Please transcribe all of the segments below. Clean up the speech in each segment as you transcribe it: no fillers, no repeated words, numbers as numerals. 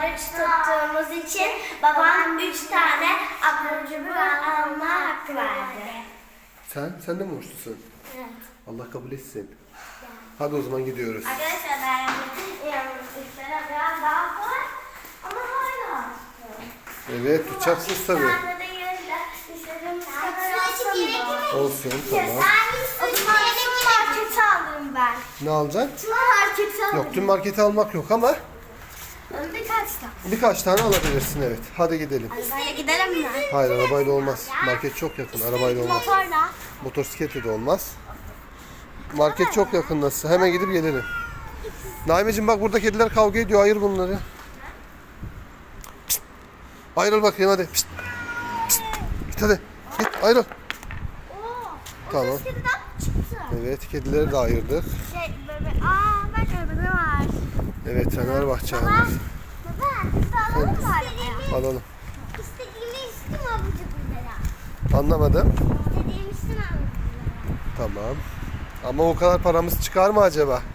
oruç tuttuğumuz için babam 3 tane abur cubur alma hakkı verdi. Sen de mi oruçlusun? Evet. Allah kabul etsin. Hadi o zaman gidiyoruz. Arkadaşlar ben iftar'a biraz daha kolay ama hala Evet, tutacaksınız tabii. Sen de gelirler. İstediğimiz kadar yapsın mı? Olsun, tamam. O zaman tüm marketi alırım ben. Ne alacaksın? Tüm marketi alırım. Yok, tüm marketi almak yok ama Birkaç tane. birkaç tane alabilirsin, evet. Hadi gidelim. Arabayla gidelim mi? Hayır, arabayla olmaz. Market çok yakın, arabayla olmaz. Motorla. Motosikletle de olmaz. Market çok yakın nasıl? Hemen gidip gelelim. Naimeciğim bak, burada kediler kavga ediyor. Ayır bunları. Pişt. Ayrıl bakayım hadi. Pişt. Pişt. Git hadi. Git ayrıl. Tamam. Çıktı. Evet, kedileri de ayırdık. Bebe. Bak bebe var. Evet, Fenerbahçe aldık. Baba, biz de alalım mı? Alalım. İstediğimi istim abur cuburlara. Anlamadım. İstediğimi istim abur cuburlara. Tamam. Ama o kadar paramız çıkar mı acaba? Var.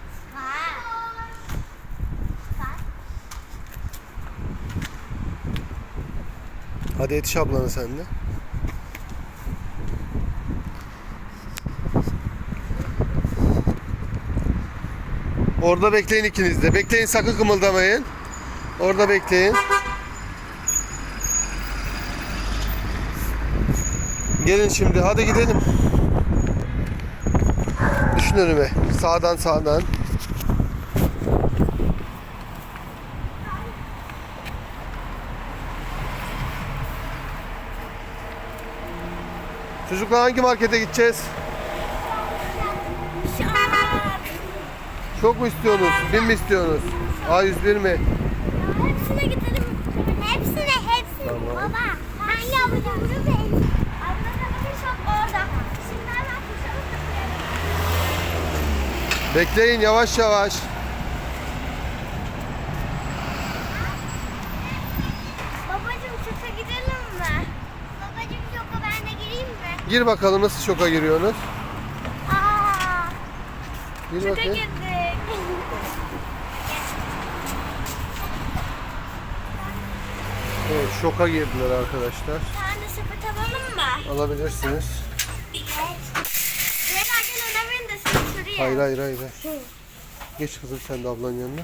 Hadi yetiş ablanı sen de. Orada bekleyin ikiniz de. Bekleyin, sakın kımıldamayın. Orada bekleyin. Gelin şimdi, hadi gidelim. Düşün önüme. Sağdan sağdan. Çocuklar hangi markete gideceğiz? Çok mu istiyorsunuz? 1000 mi istiyorsunuz? A101 mi? Hepsine gidelim. Hepsine. Tamam. Baba, hangi abur cuburu beğendin? Abla shop orada. Şimdi hemen koşalım da. Bekleyin, yavaş yavaş. Babacım şoka gidelim mi? Babacım şoka ben de gireyim mi? Gir bakalım, nasıl şoka giriyorsunuz? Gir Şoka bakayım. girdik. Evet, şoka girdiler arkadaşlar. Sen de sepet alalım mı? Alabilirsiniz. Evet. Beyler gel önemeyin de sen şuraya. Hayır hayır hayır. Geç kızım sen de ablanın yanına.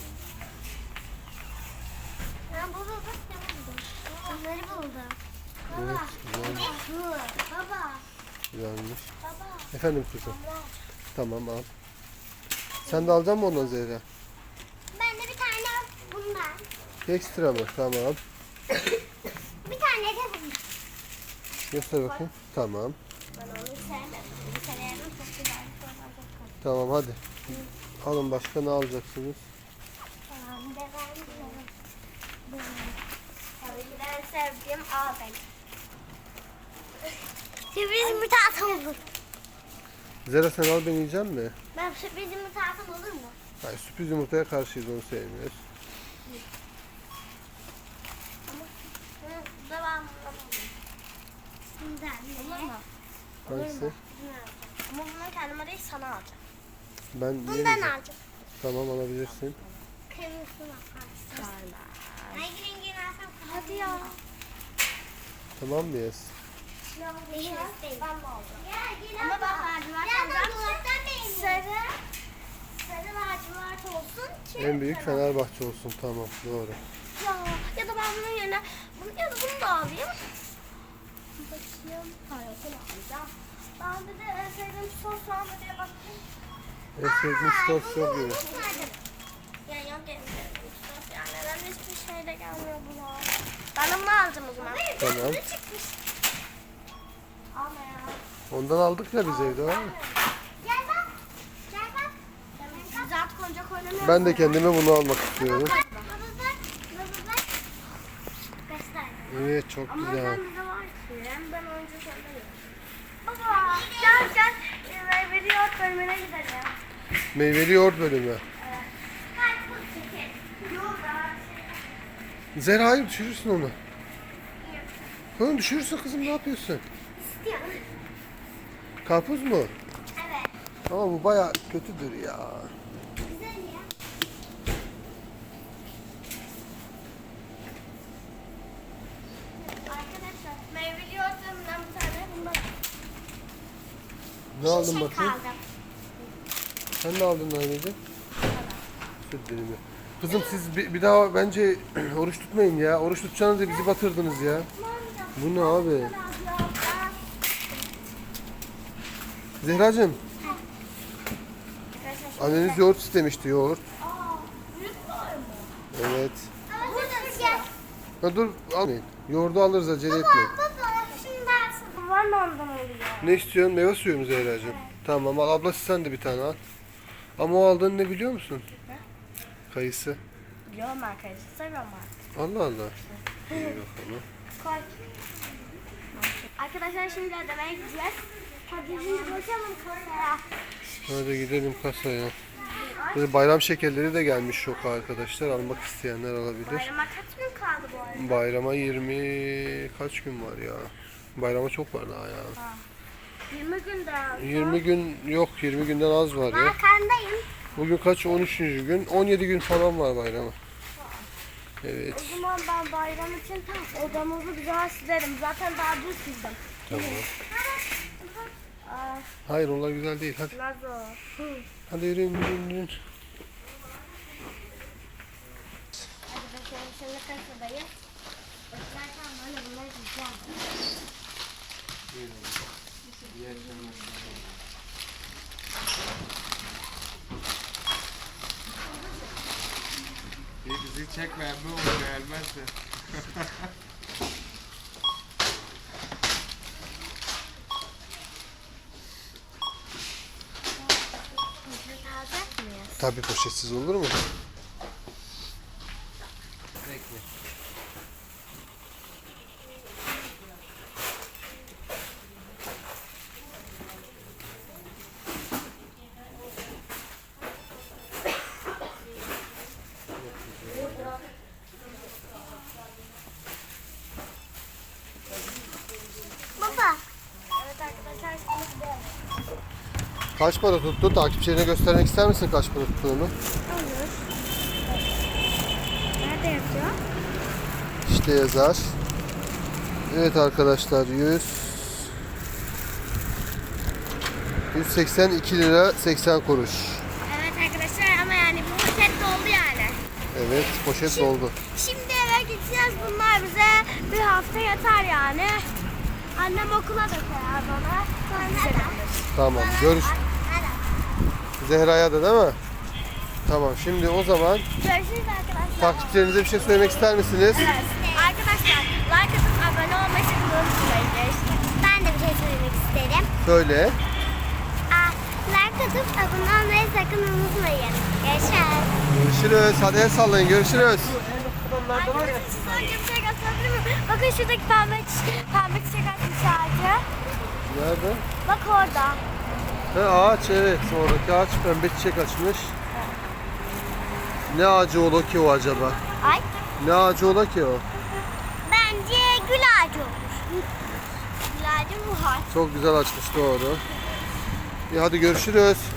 Ben buldum. Ne buldum? Onları buldum. Evet, güzel. Baba. Güzelmiş. Baba. Efendim kızım. Tamam, al. Sen de alacak mısın ondan Zehra? Ben de bir tane bundan. Ekstra mı? Tamam. Bir tane de bundan. Göster bakayım. Tamam. Ben onu sevmem. Bir severim çok güzel. Tamam hadi. Alın, başka ne alacaksınız? Tamam bir de ben bunu. Tabii ki de en sevdiğim A benim. Sürpriz yumurta atam olur. Zehra sen al, ben yiyeceğim mi? Ben sürpriz yumurta atam olur mu? Hayır, sürpriz yumurtaya karşıyız, onu sevmiyoruz. Bu da ben bulamadım. Bundan olur mu? Hangisi? Ama bunu kendime değil sana alacağım. Ben Bundan yemeyeceğim. alacağım. Tamam, alabilirsin. Kırmızısını bakarsın. Hangi rengini alsam? Hadi ya. Tamam mıyız? Değil. Ben de alacağım. Ama bak lacivert alacağım. Sarı lacivert olsun ki. En büyük Fenerbahçe olsun, tamam, doğru. Ya da ben bunun yerine ya da bunu da alayım. Bakayım. Hayır, bunu alacağım. Ben bir de en sevdiğim sos var mı diye bakayım. En sevdiğin sos yok gibi. Ya yok en sevdiğim sos. Yani neden hiçbir şeyle gelmiyor bunlar. Ben de bunu alacağım o zaman. Tamam. Çıkmış. Alma ya. Ondan aldık ya biz evde, var mı? Gel bak. Gel bak. Biz artık oyuncak oynamıyoruz. Ben de kendime bunu almak istiyorum. Baba bak. Baba bak. Göster. Evet, çok Ama güzel. ben de var ki. Ben oyuncak oynamıyorum. Baba gel. Meyveli yoğurt bölümüne gidelim. Meyveli yoğurt bölümü. Hadi bu çekin. Yoğurt var. Zehra hayır, düşürürsün onu. Oğlum düşürürsün kızım, ne yapıyorsun? İstiyorum. Karpuz mu? Evet. Ama bu baya kötüdür ya. Güzel ya. Ne aldın Şey bakayım? kaldım. Sen ne aldın Naimeciğim? Süt dilimi. Kızım siz bir daha bence oruç tutmayın ya. Oruç tutacağınız da bizi batırdınız ya. Bu ne abi? Zehracığım, anneniz yoğurt istemişti, yoğurt. Evet. Burada gel. Ha, dur almayın. Yoğurdu alırız, acele etmeyin. Baba şimdi dersin. Var mı ondan oluyor? Ne istiyorsun? Meyve suyu mu Zehracığım? Tamam al, ablası sen de bir tane al. Ama o aldığın ne biliyor musun? Kayısı. Biliyorum arkadaşlar. Seviyorum artık. Allah Allah. İyi bakalım. Koy. Arkadaşlar şimdi ödemeye gideceğiz. Hadi şimdi bakalım kasaya. Hadi gidelim kasaya. Böyle bayram şekerleri de gelmiş şoka arkadaşlar. Almak isteyenler alabilir. Bayrama kaç gün kaldı bu arada? Bayrama 20 kaç gün var ya? Bayrama çok var daha ya. 20 gün daha. 20 gün yok, 20 günden az var ya. Arkandayım. Bugün kaç? 13. gün. 17 gün falan var bayrama. Evet. O zaman ben bayram için odamızı güzel silerim. Zaten daha dün sildim. Tamam. Aa, Hayır onlar güzel değil. Hadi. Lazo. Hadi yürüyün yürüyün yürüyün. Hadi bakalım şimdi kasadayım. Zaten böyle bunları yiyeceğim. Bizi çekme bu olur gelmezse. Poşet alacak mıyız? Tabii poşetsiz olur mu? Bekle. Baba. Evet arkadaşlar şimdi gidelim. Kaç para tuttu? Takipçilerine göstermek ister misin kaç para tuttuğunu? Olur. Nerede yazıyor? İşte yazar. Evet arkadaşlar 182 lira 80 kuruş. Evet arkadaşlar ama yani bu poşet doldu yani. Evet poşet doldu. Şimdi eve gideceğiz. Bunlar bize bir hafta yeter yani. Annem okula da koyar bana. Sonra Tamam görüş. Zehra'ya da değil mi? Tamam şimdi o zaman görüşürüz arkadaşlar. takipçilerinize bir şey söylemek ister misiniz? Evet. Arkadaşlar like atıp abone olmayı sakın unutmayın. Görüşürüz. Ben de bir şey söylemek isterim. Söyle. Like atıp abone olmayı sakın unutmayın. Görüşürüz. Görüşürüz. Hadi el sallayın. Görüşürüz. Arkadaşlar size önce bir şey gösterebilir miyim? Bakın şuradaki pembe çiçek açmış ağacı. Nerede? Bak orada. Ağaç evet. Oradaki ağaç pembe çiçek açmış. Ne ağacı ola ki o acaba? Ay. Ne ağacı ola ki o? Bence gül ağacı olmuş. Gül ağacı bu ağaç. Çok güzel açmış doğru. İyi hadi görüşürüz.